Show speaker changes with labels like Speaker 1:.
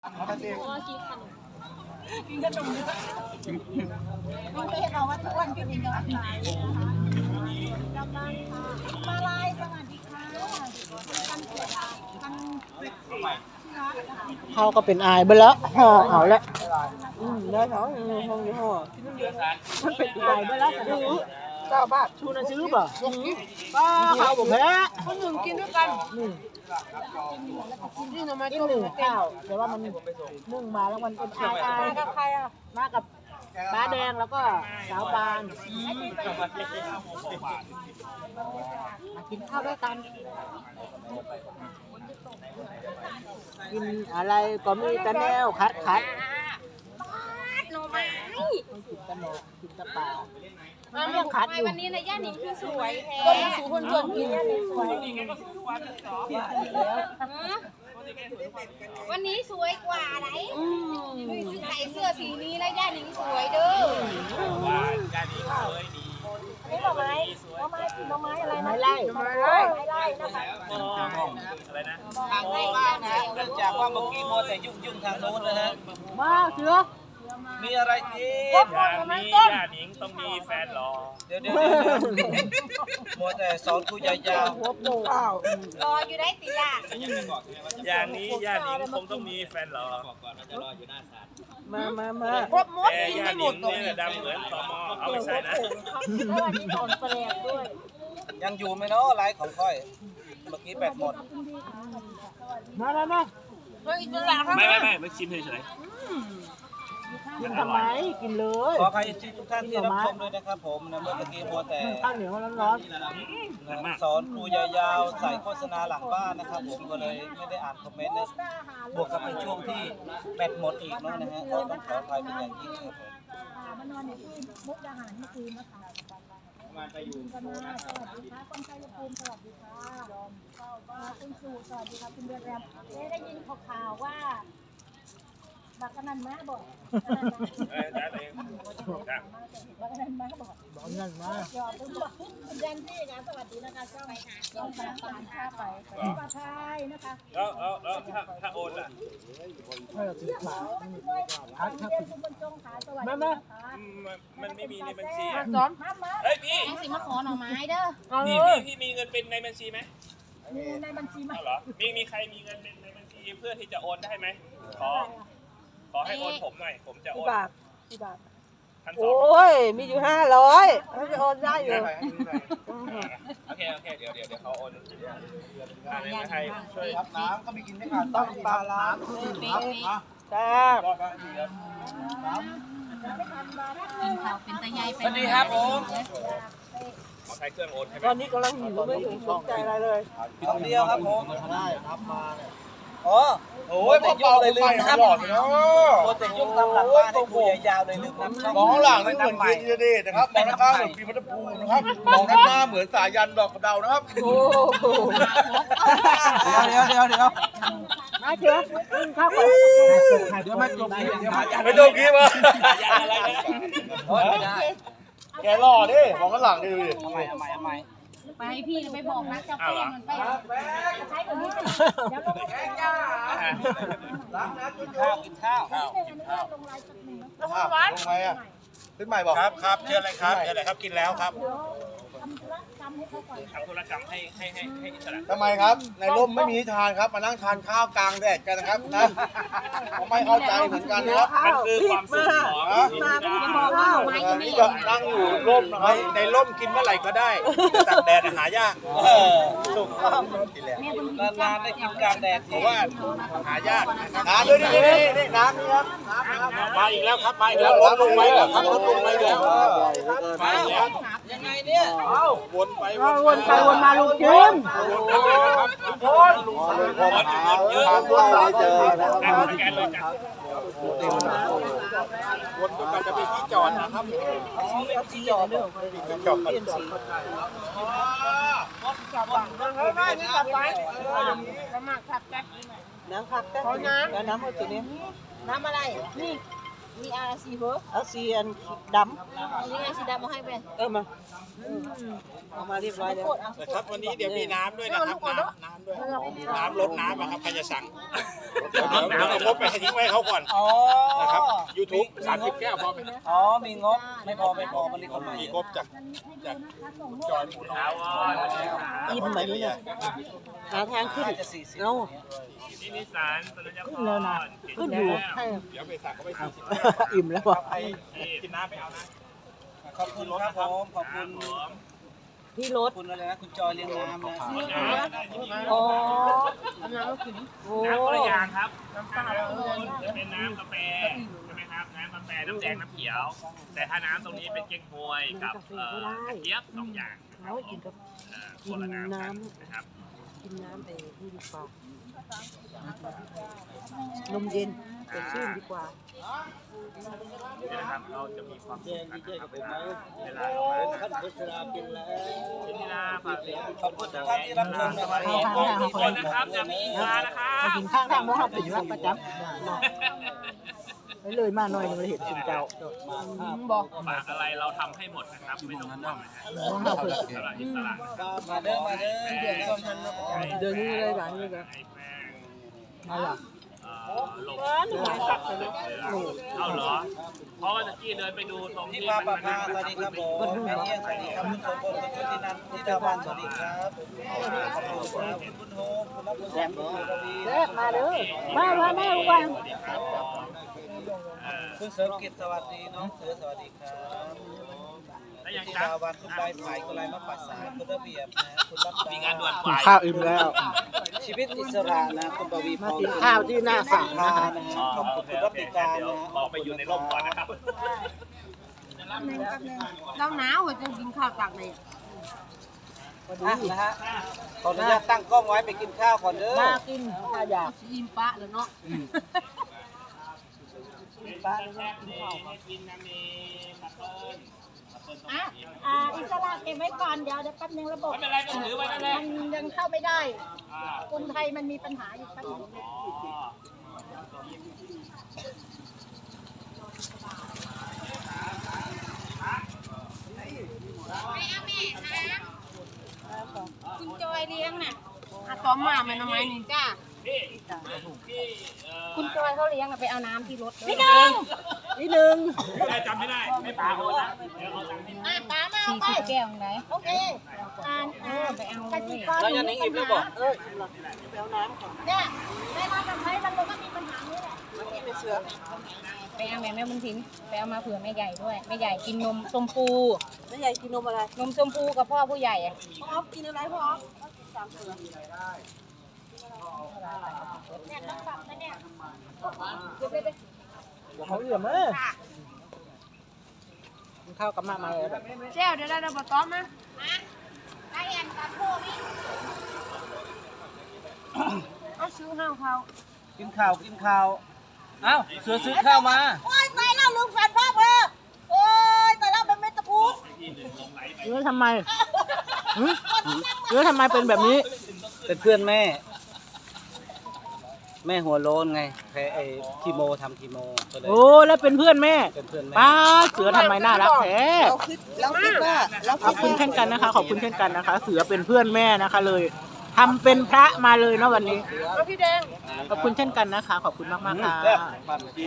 Speaker 1: กินขนมน้องเต้เราว่าทุกวันกินกำลังใจกำลังมาลายสวัสดีค่ะ
Speaker 2: เขาก็เป็นอายไปแล้วห่อเอาแล้วได้เขาห้องนี้ห่อมันเป็นอายไปแล้ว9 บาทชูนะซื้อป่ะป้าข้าวผมแพ้คนหนึ่งกินด้วยกันนี่นะมากินหนึ่งข้าวแต่ว่ามันนึ่งมาแล้วมันเป็นอายกับใครอ่ะมากับป้าแดงแล้วก็สาวปานมากินข้าวด้วยกันกินอะไรก็มีแต่แนวคัด
Speaker 1: หน่อไม้
Speaker 2: กินตะโนกินตะปลาเรื่องคัดอยู่
Speaker 1: วันนี้นะย่าหนิงคือสวยแท้
Speaker 2: ก็สูคนชวนกินสวย
Speaker 1: วันนี้สวยกว่าไหนใส่เสื้อสีนี้แล้วย่าหนิงสวยเด้อย่าหนิงสวยดีนี่หน่อไม้อะไรนะ
Speaker 2: ไล่
Speaker 1: นะคะ
Speaker 3: อะไรนะทางบ้านนะเนื่องจากว่าเมื่อกี้มัวแต่ยุ่งทางโน้นนะฮะ
Speaker 2: มาเสือ
Speaker 3: มีอะไรกิน
Speaker 4: ย่าหนิงต้องมีแฟนหรอ
Speaker 3: เดี๋ยวมัวแต่สอนกูยาว
Speaker 2: หัวโป่งร
Speaker 1: ออยู่ได้ติล่ะ
Speaker 4: อย่างนี้ย่าหนิงคงต้องมีแฟนหรอ
Speaker 2: มา
Speaker 1: ครบหมด
Speaker 4: แต่ย่าหนิงเนี่ยดำเหมือนตมเอาไม่ใช่นะ
Speaker 1: วันนี้ถอนแปลงด้วย
Speaker 3: ยังอยู่ไหมเนาะไลฟ์ของค่อยเมื่อกี้แบตหมด
Speaker 2: มา
Speaker 4: ไม่ชิมเฉย
Speaker 2: กินทำไมกินเลย
Speaker 3: ขอใครทุกท่านที่รับชมด้วยนะครับผมนะเมื่อกี้มัวแต่
Speaker 2: ข้าวเหนียวร้อน
Speaker 3: สอนครูยาวๆใส่โฆษณาหลังบ้านนะครับผมก็เลยไม่ได้อ่านคอมเมนต์นะบวกกับเป็นช่วงที่แบตหมดอีกนะฮะก็ต้องขออภัยเป็นอย่างยิ่งครับผม
Speaker 1: มานอนอยู่ที่มุกดาหารเมื่อคืนนะคะมาไปอยู่สวัสดีค่ะคนไทยภูมิสวัสดีค่ะคุณสูสวัสดีค่ะคุณเดือนแรมได้ยินข่าวว่าบักนันมาบอก
Speaker 4: ได้เลย
Speaker 1: บักนันมาบอก
Speaker 2: นั่นมาย
Speaker 1: อมคุณแดนซี่นะสวัสดีนะคะช่องช่องทานข้าวไปปลาไทยนะคะ
Speaker 4: แล้วถ้าโอนล่ะมันไม่มีในบัญชีเฮ้ยพี่
Speaker 1: สิมาขอหน่อไม้เด้อ
Speaker 4: พี่มีเงินเป็นในบัญชีไหม
Speaker 1: มีในบัญชีไหม
Speaker 4: เหรอมีใครมีเงินเป็นในบัญชีเพื่อที่จะโอนได้ไหมขอให้โอนผมหน่อยผมจะโอน
Speaker 2: กี่บาทโอ้ยมีอยู่500เขาจะโอนได้อยู่
Speaker 4: โอเคเดี๋ยวเขาโอนในไทยช่วย
Speaker 3: รับน้ำก็มีกินไม่ขาดต้องปลาล้าง
Speaker 2: แซ่บ
Speaker 1: เป็นตะไย
Speaker 3: สวัสดีครับผม
Speaker 4: ใช้เครื่องโอนใช่ไหม
Speaker 2: ตอนนี้กำลังหิวไม่ถึงสนใจอะไรเลย
Speaker 3: คำเดียวครับผม
Speaker 2: ได้รับมา
Speaker 3: อ๋อโอ้ยพอเบาเลยลืมน้ำโอ้แต่ยุ่งทำหลังบ้านให้กูยาวๆเลยลืมน้ำช่อง
Speaker 5: มองหลังนี่เหมือนเกียร์ดีนะครับมองด้านข้างเหมือนปีมัตภูมินะครับมองด้านหน้าเหมือนสายันดอกกระเดานะครับ
Speaker 2: โอ้
Speaker 3: เดี๋ยว
Speaker 2: มาเชื่อข้าวก่อน
Speaker 3: เดี๋ยวไม่จบ
Speaker 5: ไม่จบกี้มา
Speaker 4: อะไรนะ
Speaker 3: ไม่ได้
Speaker 5: แกหล่อดิมองด้านหลังดิดูดิ
Speaker 3: ทำไม
Speaker 1: ไปพี่ไปบอกนะเจ้าแป้งมันไปใช้ตัวนี้เดี๋ยวลงไป
Speaker 3: กินข้าว
Speaker 1: ลงไลน์สักหนึ่ง
Speaker 5: ลงไหมอ่ะขึ้นใหม่บอก
Speaker 4: ครับเชิญเลยครับกินแล้วครับ
Speaker 1: ทำธุรกรรมให้เขาก่อน
Speaker 4: ทำธุรกรรมให้อิสระ
Speaker 5: ทำไมครับในร่มไม่มีทานครับมานั่งทานข้าวกลางแดดกันนะครับนะผมไม่เข้าใจเหมือนกันนะครับ
Speaker 4: มันคือความสุขของ
Speaker 5: นี่ก็นั่งอยู่ร่มนะครับในร่มกินเมื่อไหร่ก็ได้ตักแดดหายาก
Speaker 3: ถูกต้องนานๆได้กินกลางแดดเพราะว่า
Speaker 4: หายาก
Speaker 5: น้ำด้วยนี่น้ำนี่ครับ
Speaker 4: มาอีกแล้วครับมาอีกแล้วลดลงไปแล้วครับลดลงไปแล้ว
Speaker 3: มายังไงเนี่ย
Speaker 4: วนไป
Speaker 2: วนมาลูกจิ้ม
Speaker 4: วนเยอะ
Speaker 5: เจอ
Speaker 4: แกนเลยจ้ะวนจนกว่าจะมีที่จอดนะครับ
Speaker 3: ที่จอดเรื่อง
Speaker 5: ที่จอดเปลี่ยนสี
Speaker 2: น้ำผักแต่น้ำเอาตัวนี้
Speaker 1: น้ำอะไรนี่มีอาซีเหรอ
Speaker 2: เอาสีอันด
Speaker 1: นี่ไงสีดำมาให้เป็น
Speaker 2: ำมาเอามาเรียบร้อยแล้ว
Speaker 5: นะครับวันนี้เดี๋ยวมีน้ำด้วยนะครับน้ำด้วยน้ำลดน้ำนะครับใครจะสั่งเดี๋ยวเอางบไปให้ทิ้งไว้เขาก่อน
Speaker 3: อ๋อ
Speaker 5: นะครับ YouTube 30 แก้วพอไหม
Speaker 3: อ๋อมีงบไม่พอมันเลยคนใหม่
Speaker 5: มีงบจากจอย
Speaker 4: ถาวร
Speaker 2: อิ่มแบบนี้เนี่ยหาทางขึ้น
Speaker 3: จะ40
Speaker 2: เอา
Speaker 4: ที่นิสานสัญญา
Speaker 2: ขึ้นแล้วนะขึ้นอยู่ให้
Speaker 5: เดี๋ยวไปสั่งเขาไป40
Speaker 2: อิ่มแล้วว่ะ
Speaker 5: กินน้ำไปเอานะ
Speaker 3: ขอบคุณครับผมขอบคุณ
Speaker 2: พี่ร
Speaker 3: ขอ
Speaker 2: ถ
Speaker 3: บคุณอะไรนะคุณจอยเลี้ยงน้ำนะ
Speaker 2: อ๋อ
Speaker 4: น้ำคนละอย่างครับน้ำเปล่าจะเป็นน้ำกาแฟใช่ไหมครับน้ำกาแฟน้ำแดงน้ำเขียว แต่ถ้าน้ำตรงนี้เป็นเก๊กฮวยกับกระเจี๊ยบ2 อย่าง
Speaker 2: เอากินกับ
Speaker 4: คนละน้ำกันนะครับ
Speaker 2: กินน้ำแต่นี่ดีกว่า นมเย็นสดชื่นดีกว่า
Speaker 4: นี่นะครับเราจะมีความสุขกันนะครับเวลา
Speaker 3: ท่านพุทธรากินแล้ว
Speaker 4: ที่นี่นะฝากเสียง
Speaker 3: ขอบคุณทุกท่านที่รับชมนะครับ
Speaker 4: ทุกคนนะครับจะมีอีกานะครับ
Speaker 2: มากินข้างทางบ่ครับเป็นรับประจำไปเลยมาหน่อยนึงเลยเห็นคุณเจ้าบอก
Speaker 4: ฝากอะไรเราทำให้หมดนะครับไม่ต้องห่วงนะฮะ
Speaker 2: ว่าเราเปิด
Speaker 4: สำหรับอิสระนะครับ
Speaker 3: มาเด้อเดี๋ยวต้นทันนะ
Speaker 2: เดือนนี้เลยหลังนี้เลย
Speaker 4: ไอ้แป้ง
Speaker 2: มาล่ะ
Speaker 4: ลงเอาเหรอ เพราะว่าตะกี้เดินไปดูตรง
Speaker 3: ที่
Speaker 4: ที่
Speaker 3: มา
Speaker 4: มัน
Speaker 3: ปะพาสวัสดีครับผมแม่เอี้ยงสวัสดีครับคุณสมบูรณ์คุณชุตินันท์คุณธิดาวันสวัสดีครับขอบคุณครับคุณโฮมคุณรับคุณแสงคุณระวี
Speaker 2: มาเด้อมาลูกวัน
Speaker 3: คุณเสริมกิจสวัสดีน้องเสือสวัสดีครับ
Speaker 4: แล้วยัง
Speaker 3: ธิ
Speaker 4: จ้า
Speaker 3: ดาวันคุณใบไผ่คุณไรมะปัสสาคุณระเบียบนะคุณรับ
Speaker 4: มีงานด่วน
Speaker 2: กินข้าวอิ่มแล้ว
Speaker 3: ชีวิตอิสระนะคุณปวีพ
Speaker 2: มาร กินข้าวที่หน้าศาล
Speaker 3: พา
Speaker 2: นะ
Speaker 3: นะฮะขอบคุณคุณรับติการ
Speaker 4: เดี๋ยว
Speaker 3: นะ
Speaker 4: ขอไปอยู่ในร่มก่อนนะครับ
Speaker 1: เราหนาวจะกินข้าวตักเลย
Speaker 3: นะฮะขออนุญาตตั้งกล้องไว้ไปกินข้าวก่อนเด้อ
Speaker 2: มากินข้าวอยาก
Speaker 1: อิ่มปะแล้วเนาะ อิสระเก็บไว้ก่อนเดี๋ยวแป๊บนึงระบบ
Speaker 4: ไม่เป็นไรก็ถือไว้นั่นแหละ
Speaker 1: มันยังเข้าไม่ได้คนไทยมันมีปัญหาอยู่แป๊บนึง คุณจอยเลี้ยงน่ะซ้อมมามันทำไมนี่จ้า
Speaker 4: นี่
Speaker 1: คุณจอยเขาเลี้ยงอะไปเอาน้ำที่รถ
Speaker 2: นิดนึง
Speaker 4: ได้จำไม่ได้ ไม่ปาโอนนะเดี๋ยวเอาตังค์ให้
Speaker 1: ป้ามา40 แก้วไหนโอเคไปเอากสิกร
Speaker 3: แล้วยันนี้อิ่มแล้วบอก
Speaker 1: เนี่ยแม่ร้านกับไทยมันก็มีปัญหานี้แหละ
Speaker 2: ไปเอาแม่บุญถิ่น
Speaker 1: ไปเอามาเผื่อแม่ใหญ่ด้วยแม่ใหญ่กินนมชมพู
Speaker 2: แม่ใหญ่กินนมอะไร
Speaker 1: นมชมพูกับพ่อผู้ใหญ่อะ
Speaker 2: พ่อกินอะไรพ่อ
Speaker 1: เนี่ยต้องปรับนะเนี่ย
Speaker 2: เขาเหลือมเลยกินข้าวกับมาเลยแบบ
Speaker 1: เจ้าเดี๋ยวเราบอต้อมนะไอ้แอนตัดโพนี่เอาซื้อห้าวเขา
Speaker 3: กินข้าวเอ้าเสือซื้อข้าวมา
Speaker 1: โอ้ยตายแล้วลุงแฟนพ่อเบอร์โอ้ยตายแล้วเป็นเม็ดตะพูด
Speaker 2: เนื้อทำไมเนื้อทำไมเป็นแบบนี้
Speaker 3: เป็นเพื่อนแม่ แม่หัวโล้นไงแพ้ไอ้คีโมทำคีโมก็เลย
Speaker 2: โอ้แล้วเป็นเพื่อนแม่
Speaker 3: เป็นเพื่อนแม่
Speaker 2: ป้าเสือทำไมน่ารักแท้
Speaker 1: เราคิดว่าเรา
Speaker 2: ขอบคุณเช่นกันนะคะ ขอบคุณเช่นกันนะคะ เสือเป็นเพื่อนแม่นะคะเลยทำเป็นพระมาเลยเนาะวันนี้
Speaker 1: พี่แดง
Speaker 2: ขอบคุณเช่นกันนะคะ ขอบคุณมากๆค่ะ
Speaker 3: ปั่น